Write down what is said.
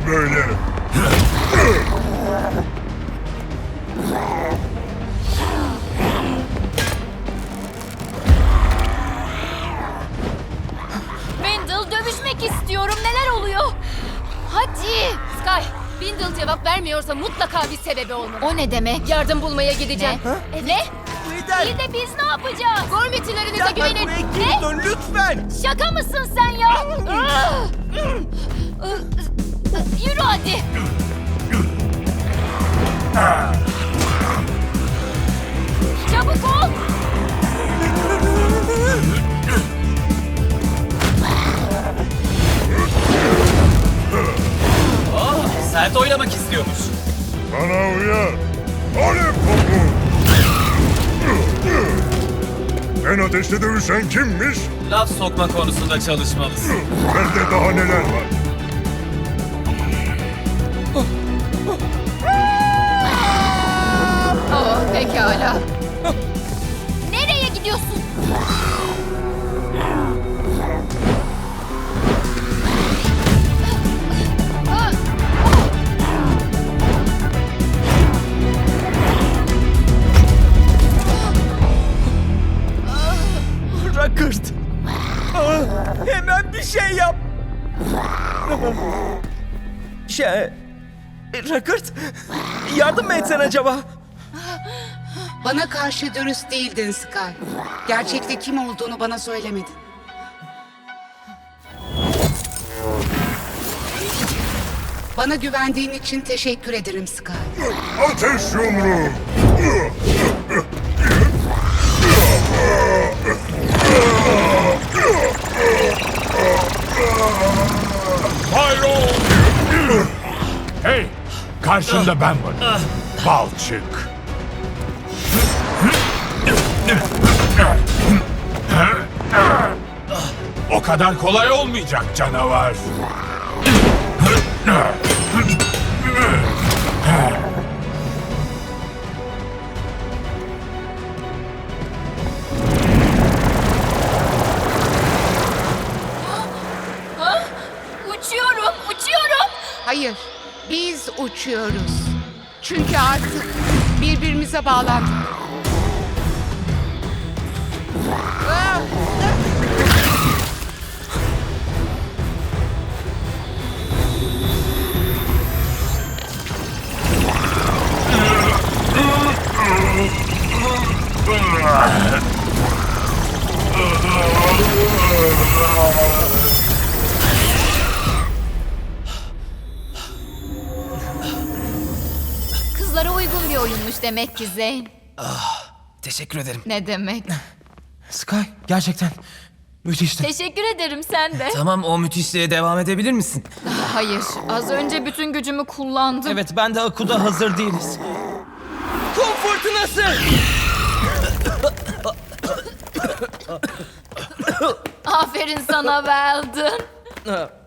ne böyle? Wendell, dövüşmek istiyorum. Neler oluyor? Hadi. Sky, Wendell cevap vermiyorsa mutlaka bir sebebi olmalı. O ne demek? Yardım bulmaya gideceğim. Ne? Lider! İyi de biz ne yapacağız? Gormitilerinize Derhal güvenin. buraya geri dön lütfen! Şaka mısın sen ya? Yürü hadi. Çabuk ol. Sert oynamak istiyormuş. Bana uyar. Alev topu. En ateşte dövüşen kimmiş? Laf sokma konusunda çalışmalısın. Bende daha neler var? Oh, pekala. Nereye gidiyorsun? Rockert! Hemen bir şey yap! Rockert! Yardım mı etsen acaba? Bana karşı dürüst değildin Sky. Gerçekte kim olduğunu bana söylemedin. Bana güvendiğin için teşekkür ederim Sky. Ateş yumruğu. Hey! Karşında ben varım. Balçık. O kadar kolay olmayacak canavar. Uçuyorum, uçuyorum. Hayır, biz uçuyoruz. Çünkü artık birbirimize bağlandık. Kızlara uygun bir oyunmuş demek ki Zeyn. Teşekkür ederim. Ne demek? Sky, gerçekten müthişti. Teşekkür ederim sen de. Tamam, o müthişliğe devam edebilir misin? Hayır, az önce bütün gücümü kullandım. Evet, ben de Aku'da hazır değiliz. Kum fırtınası! Aferin sana Weldon.